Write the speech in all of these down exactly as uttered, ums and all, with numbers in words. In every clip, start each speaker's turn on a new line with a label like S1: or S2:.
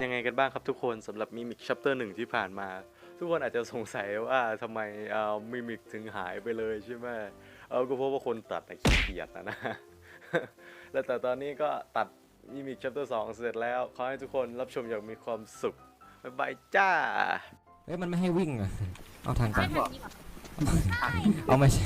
S1: ยังไงกันบ้างครับทุกคนสำหรับมิมิกชัปเตอร์หนึ่งที่ผ่านมาทุกคนอาจจะสงสัยว่าทำไมเอ่อมิมิกถึงหายไปเลยใช่ไหมเออก็เพราะว่าคนตัดน่ะขี้เกียจนะนะ แล้วแต่ตอนนี้ก็ตัดมิมิกชัปเตอร์สองเสร็จแล้วขอให้ทุกคนรับชมอย่างมีความสุขบ๊ายบายจ้า
S2: เฮ้ยมันไม่ให้วิ่งอ่ะเอาทางกลั
S3: ไม่
S2: บ
S3: ทันนี้หรอใช่
S2: เอาไม่ใช่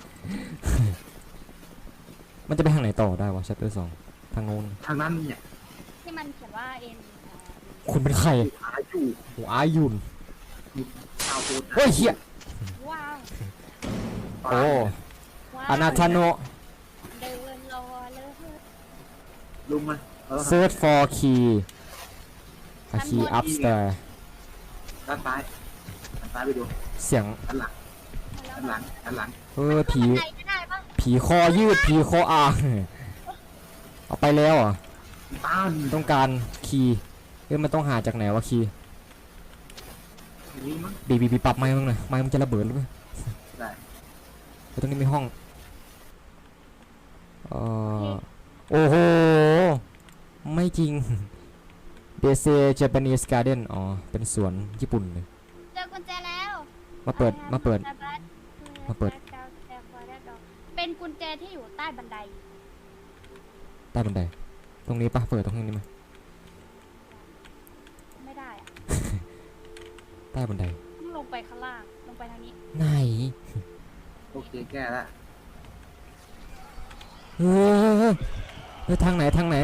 S2: มันจะไปทางไหนต่อได้วะชัปเตอร์สองทางโน้น
S4: ทางนั้นเนี่ย
S3: ที่มันเขียนว่าเอ็น
S2: คุณเป็นใคร
S4: หาอยู่
S2: โอ้อายุน
S4: ชาวโพสต์
S2: เฮ้ยเฮีย
S3: ว้าว
S2: โอ้
S3: ว้าว
S2: อานาธาโน
S3: เดินรอเลย
S4: ลุงมันเออ
S2: search for key a key upstairs
S4: ด้านซ้ายด้านซ้ายไปดู
S2: เสียง
S4: ด้านหลังด้านหลังด้านหลัง
S2: เออผี
S3: ขึ้นบันไดไม่ได้ปะ
S2: ผีคอยืดผีคออ่างเอาไปแล้วเหรอ่ะ
S4: ต้าน
S2: ต้องการคีย์เอ้ยมันต้องหาจากไหนวะคีย์
S4: อย่างนี้มั้ง
S2: บีบีบีปรับไม้มึงหน่อยไม้มันจะระเบิดหรือเปล่า
S4: ได้
S2: เฮ้ยตรงนี้มีห้องเอ่อโอ้โหไม่จริง เดเซ Japanese Garden อ๋อเป็นสวนญี่ปุ่นเลย
S3: เจอกุญแจแล้ว
S2: มาเปิดมาเปิด มาเปิด
S3: เป็นกุญแจที่อยู่ใต้บันได
S2: ใต้บันไดตรงนี้ปะเปิดตรงนี้ไหม
S3: ไม่ได้อะ
S2: ใต้บันได
S3: ต้องลงไปข้างล่างลงไปทางนี้
S2: ไหน
S4: โอเคแก้แล้ว
S2: เออเออทางไหนทางไหน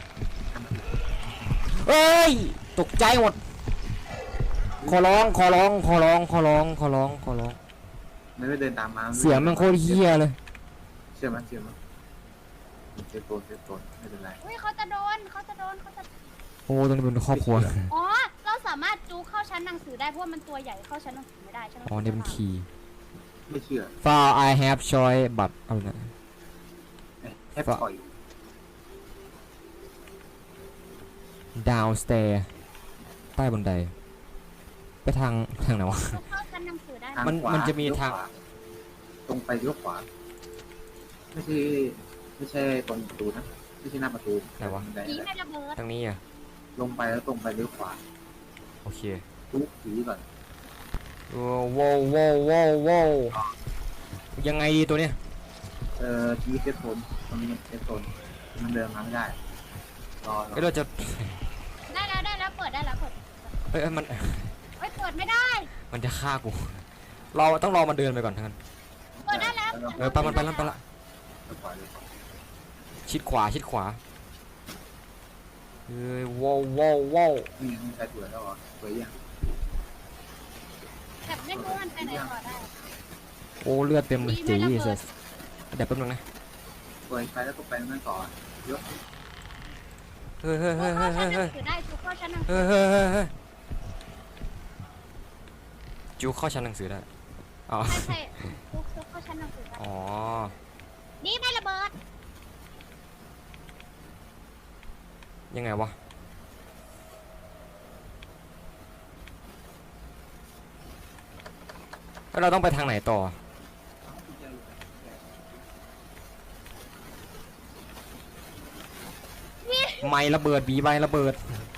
S2: เอ้ยตกใจหมดขอร้องขอร้องขอร้องขอร้องขอร้องขอร้อง
S4: ไม่ได้เดินตามมา
S2: เสียงมันโคตรเฮี้ยเลย
S4: เชื่อมั้ยเชื่อมั้ยเซฟโตนเซฟโตนไม่เป็นไร
S3: อุ้ยเขาจะโดนเขาจะโดนเขาจะ
S2: โอ้ตรงนี้เป็นครอบครัว
S3: อ๋อเราสามารถจูเข้าชั้นหนังสือได้เพราะว่ามันตัวใหญ่เข้าชั้นหนังสือไม่ได้ใช่ไหม
S2: อ๋อนี่เป็นคีย์
S4: ไม่เชื่อ
S2: file I have choice บัตรอะไรนะ
S4: แอปปล่อย
S2: downstairs ใต้บันไดไปทางทางไหนวะ
S3: จูเข้าชั้นหนังสือได้
S4: ทาง
S2: มัน
S4: ขวา
S2: มันจะมีทาง
S4: เลี้ยวขวตรงไปเลี้ยวขวาไม่ใช่ไม่ใช่ตรงประตูนะไม่ใช่หน้าประตู
S2: ไหนวะ
S4: บันได
S3: ผีไม่ระเบิด
S2: ทางนี้อ่ะ
S4: ลงไปแล้วตรงไปเลี้ยวขวา
S2: โอเค
S4: ทุกผีก่อน
S2: โอ้ว้าวว้าวว้าวว้าวยังไงดีตัวเนี้ย
S4: เอ่อชีวิตเซฟโซนตรงนี้เซฟโซนมันเดินมาไม่ได้รอรอ
S2: เอ้ยเราจะ
S3: ได้แล้วได้แล้วเปิดได้แล้วเปิด
S2: เอ้ยเอ้ยมัน
S3: เฮ้ยเปิดไม่ได้
S2: มันจะฆ่ากูเราต้องรอมันเดินไปก่อนทั้งนั้น
S3: เปิดได้แล้ว
S2: เออไปมันไปแล้วไปละ
S4: เลี้ยวขวาเลี้ยวขวา
S2: ชิดขวาชิดขวาเอ้ยว้าวว้าวว้าว
S4: นี่ยังไม่ใช่ตัวแล้วเหรอตัวยัง
S3: แบบไม่รู้มันไปไหนต่อได้
S2: โอ้เลือดเต็มเลยจีเสเดี๋ยวแป๊บนึงนะ
S4: ตัวไปแล้วก็ไปนั่นต่อเยอะ
S2: เฮ้ยเฮ้ย
S3: จู
S2: เฮ้ย
S3: เข้า
S2: เฮ้ย
S3: ชั้นห
S2: เฮ้ย
S3: นังสือได้จูเข้าชั้นหนังสื
S2: เฮ้
S3: อย
S2: เฮ้ยเฮ้ยเฮ้ยจูเข้าชั้นหนังสือได้อ๋อ
S3: ใช่ใช่จูจูเข้าชั้นหนังสือได้
S2: อ๋อ
S3: นี่ไม่ระเบิด
S2: ยังไงวะแล้วเราต้องไปทางไหนต่อไม่ระเบิดบีใบระเบิด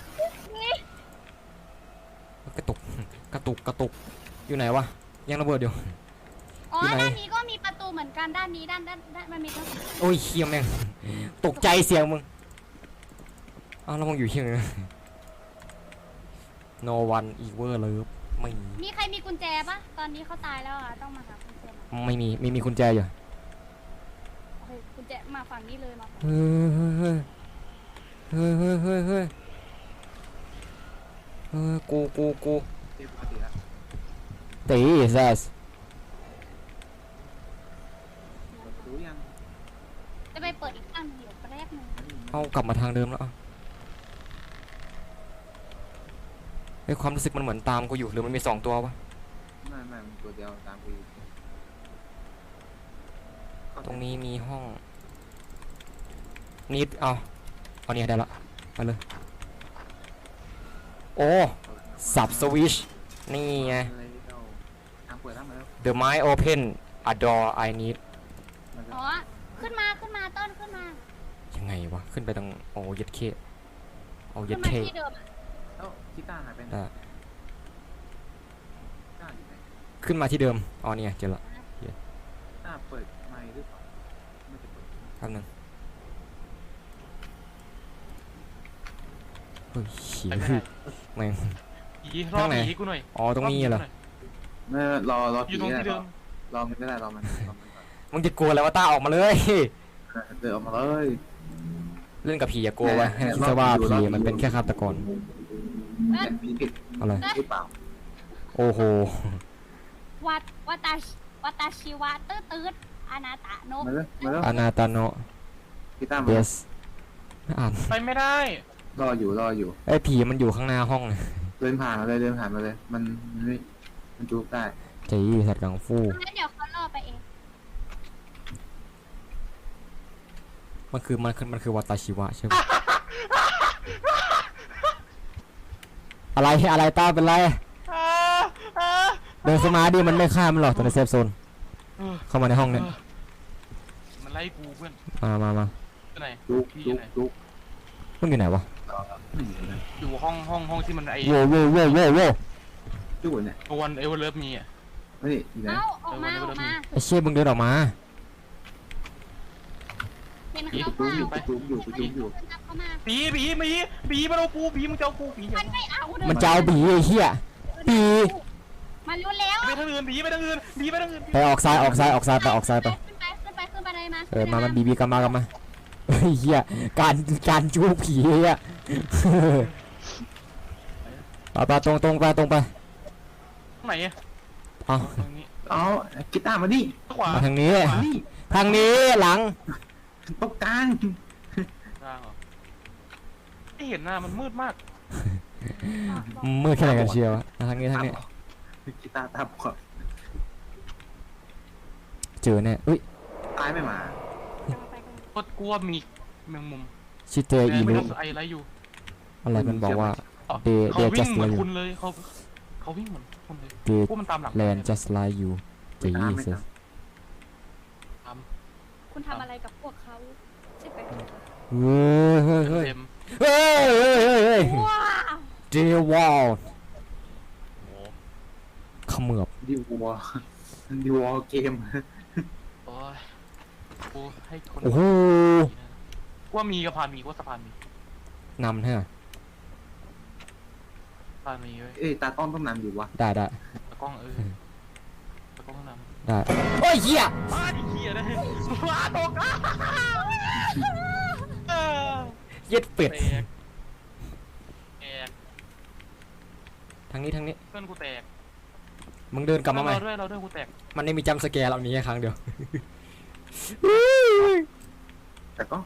S2: กระตุกกระตุกกระตุกอยู่ไหนวะยังระเบิดอยู่
S3: อ๋อ
S2: ที่ไหน
S3: ด้านนี้ก็มีประตูเหมือนกันด้านนี้ด้านด้านด้านมันมีทั้ง
S2: โอ้ยเคียแม่งตกใจเสียงมึงอ้าวแล้วมึงอยู่เคียงเลย no one ever love ไม่มี
S3: มีใครมีกุญแจปะตอนนี้เขาตายแล้วอ่ะต้องมาหากุญแจมา
S2: ไม่มีมีมีกุญแจอยู่
S3: โอเคกุญแจมาฝั่งนี้เลยมาฝั่ง
S2: เฮ้ยเฮ้ยเฮ้ยเฮ้ยเฮ้ยเฮ้ยกูกูกู
S4: เทียบปกติแล้ว
S2: ตีแซส
S4: รู้ยัง
S3: จะไปเปิดอีกข้างหนึ่งเดี๋ยวแป๊บนึง
S2: เอากลับมาทางเดิมแล้วไอ้ยความรู้สึกมันเหมือนตามกูอยู่หรือมันมีสองตัววะ
S4: ไม่ไม่มันตัวเดียวตามไปอยู่
S2: ตรงนี้มีห้องนิดเอาเอาเนี่ยได้ละไปเลยโอ้สับสวิชนี่ไง
S4: อะไรเราทางเปิดทางมาแล้ว
S2: The mind open a door I need
S4: มันจะ
S3: อ๋อขึ้นมาขึ้นมาต้นขึ้นมา
S2: ยังไงวะขึ้นไปตรงโอ้เย็ดเคเอา
S3: ขึ้
S2: เย็
S3: น
S2: ด
S3: มา
S2: เค
S3: ที่เดิมอะ
S4: ทแล้วกีตาร์หายไปไหน
S2: อ่ะ
S4: กีตาร์อยู่ไหน
S2: ขึ้นมาที่เดิมอ๋อเนี่ยเจอละ
S4: กีตาร์เปิดไมค์หรือเปล่าไม่ได้เปิด
S2: แป๊บนึงเฮ้ยเหี้ย
S5: ไปไม่ได้
S2: แม่ง
S5: ผีรอบผีกูหน่อย
S2: อ๋อตรงนี้เหรอ
S4: ไม่รอรอ
S5: อยู่ตรงที่เดิม
S4: รอมันไม่ได้รอมันรอมันก่อน
S2: มึงจะกลัวอะไรวะต้าออกมาเลย
S4: เดินออกมาเลย
S2: เล่นกับผีอย่ากลัวไว้ให้คิดซะว่าผีมันเป็นแค่ฆาตกร
S4: เนี่ยผีผิด
S2: อะไร
S4: หรือเปล่า
S2: โอ้โห
S3: วัดวัตาชิวัตาชิวะตื้อตื้ออนาตะโน
S4: มาเลยมาเลย
S2: อนาตาโน
S4: กีตาร์
S2: เด
S4: มา
S2: สไม่อ่าน
S5: ไปไม่ได้
S4: รออยู่รออยู่
S2: ไอ้ยผีมันอยู่ข้างหน้าห้องนะ
S4: เดินผ่านมาเลยเดินผ่านมาเลย มันมันไม่มันจูบได้
S2: จีสัตว์กังฟู
S3: งั้นเดี๋ยวเขาล่อไปเอง
S2: มันคือมันคือมันคือวัตาชิวะใช่ไหม อะไรอะไรต้าเป็นไร เดินเข้ามาดิมันไม่ฆ่ามันหรอกตอนในเซฟโซน เข้ามาในห้องเนี่ย
S5: มันไล่กูเพื่อน
S2: มามามา
S5: ที่ไหน
S4: จูบ
S5: พี่อ
S4: จู
S5: ยู่
S4: บ
S5: ไหน
S4: จูบ
S2: มึงอยู่ไหนวะ
S4: ไม่อยู่เลย
S5: อยู่ห้องห้องห้องที่มันไอ
S2: โว้โว้โว้โว้โว้
S4: จูบเนี่ย
S5: ตัววันเอเวอร์เลิฟมีอ่ะ
S4: นี่อยู่ไหน
S3: เอ้าออกมาออกมา
S2: ไอ้เชี่ยมึงเดินออกมา
S3: เห็น
S4: จู
S3: เขา
S4: บ
S3: เปล่า
S4: อยู่จูบอยู่จูบอยู่
S3: เขามา
S5: ผีผีผีผีมาเอากูผีมึงจะเอากูผี
S3: มันไม่เอาเดิ
S2: มันจะเอาบีไอ้เหี้ย ปี
S3: มันรู้แล้ว
S5: ไปทางอื่นผีไปทางอื่นผีไปทางอื่น
S2: ไปออกซ้ายออกซ้ายออกซ้ายไปออกซ้ายไป
S3: ขึ้นไปขึ้นไปขึ้นไปเลยมา
S2: เออมามันบีบีกันมากันมาเฮ้ยเหี้ยการการจูบผีเหี้ย ไปไปตรงตรงไปตรงไป
S5: ตรงไหนอ่ะ
S2: เอา
S5: ตรงนี้
S4: เอากีตาร์มาดิ
S5: ขวา
S2: มาทางนี้
S5: ขวา
S4: นี่
S2: ทางนี้หลัง
S4: ตรงกลาง
S5: ทางเหรอไม่เห็นหน้ามันมืดมาก
S2: มืดแค่ไหนกันเชียววะทางนี้ทางนี้
S4: กีตาร์ตาบอด
S2: เจอแน่อุ้ย
S4: ตายไม่มา
S5: โคตรกลัวมีแมงมุม
S2: ชิเตอี
S5: ไม่
S2: รุ
S5: ต้องไอไรอยู่
S2: อะไรมันบอกว่า
S5: อ๋อ
S2: They
S5: เขา
S2: they
S5: วิ่ง
S2: just
S5: เหมือน
S2: like
S5: คุณเลยเขาเขาวิ่งเหมือนคุณเลย
S2: they
S5: พวกมันตามหลัง
S2: land just like you
S4: ไม่ตามไม่
S2: Jesus
S4: ตาม
S3: คุณทำอะไรกับพวกเขาใช่ไหม
S2: เฮ้ยเฮ้ยเฮ้ย
S5: เต็ม
S2: เฮ้ยเฮ้ยเฮ้ยเฮ้ย
S3: ว้าว
S2: They wall
S5: โอ้
S2: เขมือบ
S4: ดิววอดิววอเกม
S5: โอ้ยกูให้คน
S2: โอ้โห
S5: ว่ามีกระพานมีว่าสะพานมี
S2: นำใช่ไหม
S5: สะพานมีเว้ย
S4: เอ้ยตากล้องต้องนำอยู่วะ
S2: ได้ได้
S5: ตะกล้องเออตะกล้องข้างหน้า
S2: ได้โอ้ยเหี้ย
S5: มาดิเฮียเลยมาตกอ่ะเออ
S2: เย็ดเป็ด
S5: แตกแตก
S2: ทางนี้ทางนี้
S5: เพื่อนกูแตก
S2: มึงเดินกลับมาใหม่
S5: เราด้วยเราด้วยกูแตก
S2: มันไม่มีจัมป์สแกร์เรานี้แค่ครั้งเดียว
S4: แต่ก็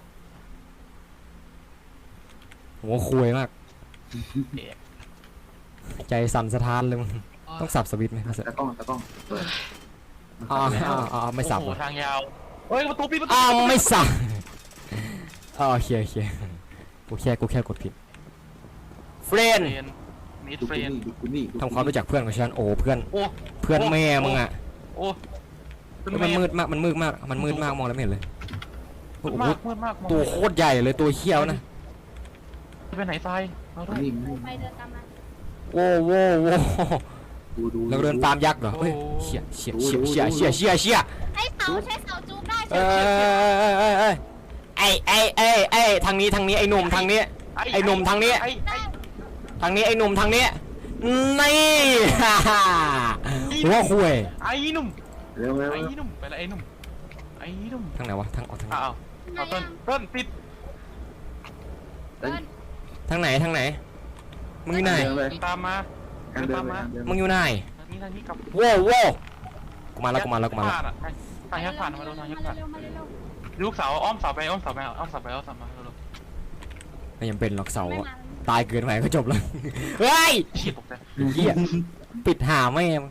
S2: หัวคุยมาก
S5: แตก
S2: ใจสั่นสะท้านเลยมึงต้องสับสวิตช์ไหม
S4: ตากล้องตากล้องเปิด
S2: อ๋ออ๋ออ๋อไม่สับ
S5: โอ้
S2: เหร
S5: โห
S2: อ
S5: ทางยาวเฮ้ยประตูปิดประตู
S2: อ้าวไม่สับอ๋อโอเคโอเคกูแค่กูแค่กดผิดเฟรน
S5: เฟรนนิด
S4: ดู
S5: เฟร
S4: กู
S5: น
S4: นี่ดูกูนี่
S2: ทำความรู้จักเพื่อนของฉันโอ้เพื่อน
S5: โอ้
S2: เพื่อนแม่มึงอ่ะ
S5: โอ้เป็น
S2: มัน
S5: แ
S2: มืดมากมันมืดมากมันมืดมากมองแล้วไม่เห็นเลยโอ้
S5: มืด
S2: โห
S5: มากมืดมากมอง
S2: ตัวโคตรใหญ่เลยตัวเขี้ยวนะ
S5: ไปไหนทรายเราด้วย
S4: นี่
S3: ไปเดินตามมา
S2: โว้โว้โว้
S4: ดูดู
S2: เราเดินตามยักษ์เหรอเฮ้ยเชี่ยเชี่ยเชี่ยเชี่ยเชี่ยเชี่ยเชี่ย
S3: ใช้เสาใช้เสาจูบได้
S2: เอ
S3: ใช่
S2: อไอ้ไอ้ไอ้ไอ้ทางนี้ทางนี้ไอ้หนุ่มทางนี้ ไอ้หนุ่มทางนี้
S5: ไอ้ไอ้
S2: ทางนี้ไอ้หนุ่มทางนี้นี่ฮ่าฮ่าหัวคุย
S5: ไอ้หนุ่ม
S4: เร็วเร็ว
S5: ไอ้หนุ่มไปละไอ้หนุ่มไอ้หนุ่ม
S2: ทางไหนวะทางออกทางไหน
S5: อ้าวเอาต้นต้นติด
S3: เดิน
S2: ทางไหนทางไหนมึงอยู่ไหน
S4: เดินเลย
S5: ตามมา
S4: การเดินเลยการเดิน
S2: มึงอยู่ไหน
S5: ทางนี้ทางนี้กลับ
S2: โว้โว้กูมาแล้วกูมาแล้วกูมาแล้ว
S5: ผ่นอะทางแยกผ่านมาดูทางแยกผ่าน
S3: เร็วมาเร็วมาเร็ว
S5: ลูกสาวอ้อมเสาไปอ้อมเสาไปอ้อมเสาไปอ้อมเสามาเร็ว
S2: ไม่ยังเป็นหรอกเสา
S3: ไม่
S2: อะ
S3: มา
S2: ตายเกินไปก็จบแล้วเฮ้ย
S5: ๆฉีดตกใจ
S2: เหี้ยปิดหาไม่ง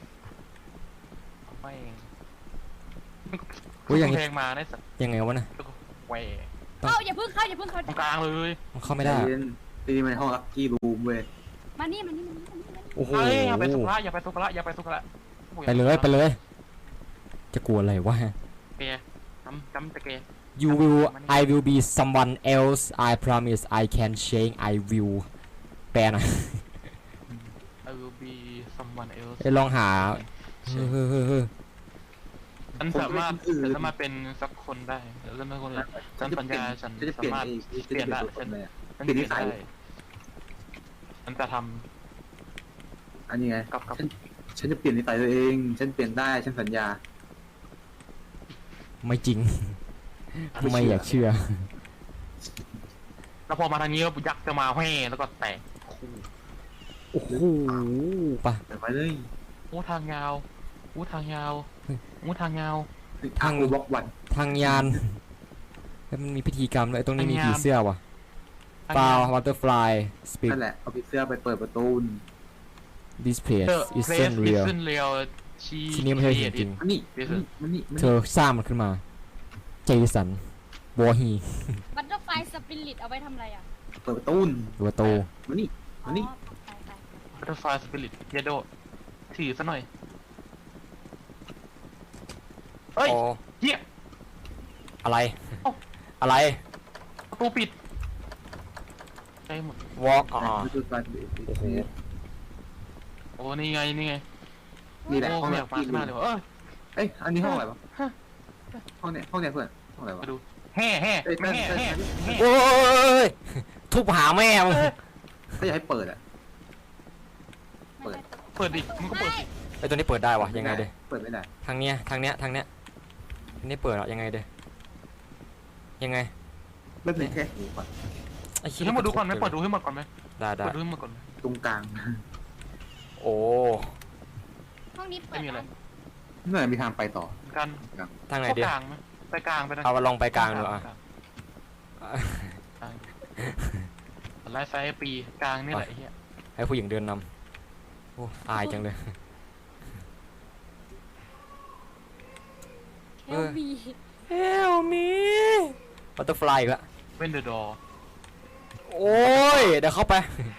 S5: ไม่เอง
S2: อุ้ยอย่าง
S5: นี้
S2: นี้
S5: แพงมาได้สัก
S2: ยังไงวะนะ
S5: แหว
S3: เข้าอย่าพึ่งเข้าอย่าพึ่งเข้า
S5: ตรงกลางเลย
S2: มันเข้าไม่ได้
S4: เย็นตีมันห้องลักกี้รูมเว้ย
S3: มานี่มานี่มานี่มานี่มานี่
S2: โอ้โห
S5: เฮ้ยอย่าไปสุภาอย่าไปสุภาอย่าไปสุภา
S2: ไปเลยไปเลย จะกลัวอะไรวะ
S5: แกจำจำแต่แก
S2: You will I will be someone else I promise I can change I will แปลหน่อย
S5: I will be someone else
S2: ไปลองหาเฮ้ยเฮ้ยเฮ้ยเฮ้ย
S5: ฉันสามารถฉันสามารถเป็นสักคนได้แล้วฉันเป็นคนอื่นฉันสัญญาฉัน
S4: ฉันจะเป
S5: สา
S4: ลี่ยน
S5: มารถ
S4: ไอ้
S5: เปลี่ยนได้
S4: ตัวต
S5: ฉั
S4: น
S5: น
S4: เลยอะ
S5: ฉัน
S4: เปลี่ยนนิสัย
S5: ได้ฉันจะท
S4: อันนี้ไง
S5: ำกับกับ
S4: ฉันฉันจะเปลี่ยนนิสัยตัวเองฉันเปลี่ยนได้ฉันสัญญา
S2: ไม่จริง ไม่อยากเชื่อ
S5: แล้วพอมาทางนี้ยักษ์จะมาแห่แล้วก็แตกคู่
S2: โอ้โหปะ
S4: เดี๋ยวไปเลย
S5: โอ้ทางยาวโอ้ทางยาวโอ้ทางยาว
S4: ทางบล็อกวัน
S2: ทางยานแล้วมันมีพิธีกรรมด้วยตรงนี้มี
S5: ทางยาน
S2: ผีเสื้อว่ะ
S5: ทาง
S2: ฟา
S5: า
S2: วย
S5: ว
S2: วัตเตอร์ฟลายสปีด
S4: นั่นแหละเอาผีเสื้อไปเปิดประตู
S2: this place
S5: เธอ
S2: is
S5: เพล
S2: so
S5: ส
S2: real
S5: ขึ้นเรียวชี
S2: ที่นี่ไม่ใช่จริง
S4: มันนี่มันนี่มันนี่
S2: เธอสร้างมันขึ้นมาเจสันวอฮี
S3: บัตเตอร์ไฟสปิริตเอาไว้ทำอะไรอ่ะ
S4: เปิดประตู
S2: ตัวโต
S4: มันนี่
S3: อ๋
S4: มั
S3: อน
S4: นี่
S3: ไปไป
S5: บัตเตอร์ไฟสปิริตเยโดถือซะหน่อยเฮ้ย
S2: โอ้
S5: เฮีย
S2: อะไร
S5: เอ้า
S2: อะไร
S5: ประตูปิดใช่หมด
S2: walk อ๋อ
S4: มันคือการ
S2: โอ้โห
S5: โอ้นี่ไงนี่ไง
S4: นี่แหละ
S5: โอ้
S4: ห้อง
S5: ไม่
S4: แร
S5: อก ยากมาข้างหน้าเลยว่ะเอ้ย
S4: เอ้ยอันนี้ห้องอะไรวะห้องเนี้ยห้องเนี้ยเพื่อนห้องอะไรวะ
S5: มาดูแห่แห่
S4: เอ้ย
S5: ไม่แห่
S4: เต้น
S5: แห่
S4: เต้น
S5: แห่
S2: โอ้ยทุบหาแม่มึง
S4: ถ้าอยากให้เปิดอ่ะ
S3: ไม่ใช่
S5: เปิดดิมึงก็เปิดดิ
S2: ไอตัวนี้เปิดได้วะยังไงเด้
S4: เปิดไม่ได้
S2: ทางเนี้ยทางเนี้ยทางเนี้ยอันนี้เปิดเหรอยังไงเด้ยังไง
S4: เริ่มเลยแค่หูก่อน
S2: ไอ้เหี้ย
S5: ให้หมดดูก่อนไหมเปิดดูให้หมดก่อนไหม
S2: ได้ได้
S5: เปิดดูให้หมดก่อนไหม
S4: ตรงกลาง
S2: โอ้
S3: ห้องนี้เปิ
S5: ไม่
S3: ด
S5: มีอะไร
S4: เมื่อมีทางไปต่อ
S5: กัน
S2: ทางไหน
S5: เข้า
S2: เด้
S5: กลางไหมไปกลางไปนะ
S2: เอาลองไปกลางดูอ่ะ
S5: กลางไลฟ์ไฟปีกลางนี่แหละไอ้เฮีย
S2: ให้ผู้หญิงเดินนำโอ้อายจังเลย
S3: เฮลบี
S2: Help me Butterfly อีกแล้ว
S5: เว้นเดอะดอ
S2: โอ้ย เดี๋ยวเข้าไป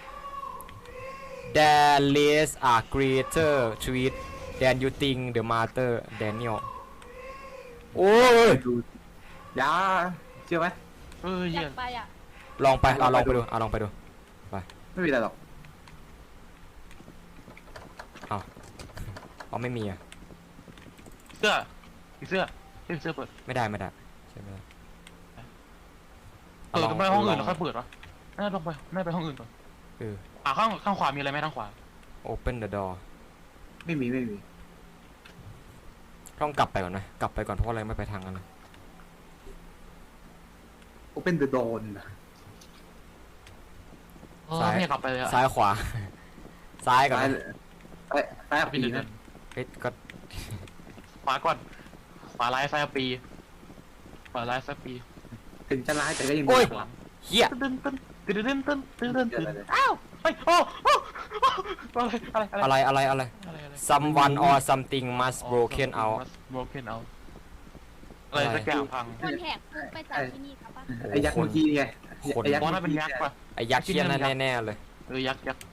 S2: There is a greater treat than you think the master Daniel โอ้ย
S4: ดูยาเชื่อไหม
S5: เออ
S3: อ
S5: เฮี
S3: ยาย กไปอ่ะ
S2: ลองไปเอาลองไปดูเอาลองไปดู
S4: ไม่มีอะไรหรอก
S2: อ๋อไม่มีอ่ะ
S5: เสื้อผีเสื้อเฮ้ยเสื้อเปิด
S2: ไม่ได้ไม่ได้ใช่ไหม
S5: เออไปห้องอื่นแล้วค่อยเปิดวะน่าลงไปน่าไปห้องอื่นก่อน
S2: เออ
S5: อ่าข้างข้างขวามีอะไรไหมทางขวา
S2: Open the door
S4: ไม่มีไม่มี
S2: ต้องกลับไปก่อนไหมกลับไปก่อนเพราะอะไรไม่ไปทางนั้น
S4: โอเปนเดอะโดน
S5: เออ
S2: ซ้าย
S5: ไม่อยากกลับไปเลยอะ
S2: ซ้ายขวา ซ้ายก่อน
S4: ซ้าย
S2: นะ
S4: ซ้ายซ้ายอับ
S5: พี่
S4: ปี
S5: เดิ
S4: นะ
S5: น
S2: เฮ้ยก็
S5: ขวาก่อนขวาไลฟ์ไฟปีขวาไลฟ์ไฟปี
S4: ถึงจะร้ายแต่ก็ยัง
S2: โอ้ย
S5: หลัง
S2: เฮีย
S5: ตึ้นตึ้นตึ้นตึ้นตึ้นตึ้นตึ้นตึ้น
S4: อะไรเลย
S5: อ้าวเฮ้ยโอ้โอ้อะไรอะไร
S2: อะไรอะไรอะไร
S5: อะไรอะไร
S2: someone or something must broken out
S5: broken out อะไรสักอย่างพัง
S3: คนแหกคุกไปจากที่นี่ครับป่ะ
S4: ไอ้ยักษ์เมื่อกี้ไง
S2: คน
S4: ไอ้ยักษ์
S5: มอง
S4: เมื่
S5: น่า
S4: อ
S5: เป็น
S4: กี้
S5: ยักษ์ป่ะ
S2: ไอ้ยักษ์เชี่ยนั่นแน่ๆเลย
S5: เออยักษ์ยักษ์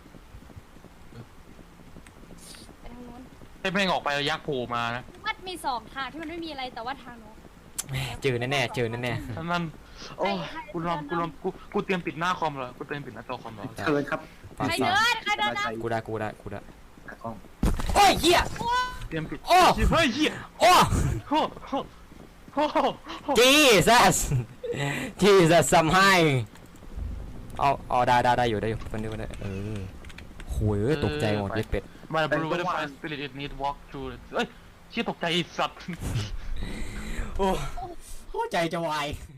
S3: ไปทางนู้น
S5: ให้แม่งออกไปแล้วยักษ์โผล่มานะ
S3: วัดมีสองทางที่มันไม่มีอะไรแต่ว่าทางโน้น
S2: แม่เจอแน่ๆเจอแน่
S5: นั่นโอ้ยกูลองกูลองกูกูเตรียมปิดหน้าคอมเหรอกูเตรียมปิดหน้าจอคอมเหรอ
S4: เชิญครับ
S2: ๆ
S3: ใครเดินใครเดินนะ
S2: กูได้กูได้กูได้
S4: ตากล้อง
S2: โอ้ยเฮีย
S5: เตรียมปิด
S2: โอ้
S5: เฮ้ยเหี้ย
S2: โอ้
S5: โอ้โหโอ้โห
S2: Jesus Jesus ซัมไฮเอาเอาได้ได้ได้อยู่ได้อยู่มันดูได้เออโหยเอ้ยตกใจหมดเย็ดเป็ด
S5: มาบรูว่า the fire spirit it need walk through เอ้ยเชี่ยตกใจไอ้สัตว์
S2: โอ้โหใจจะวาย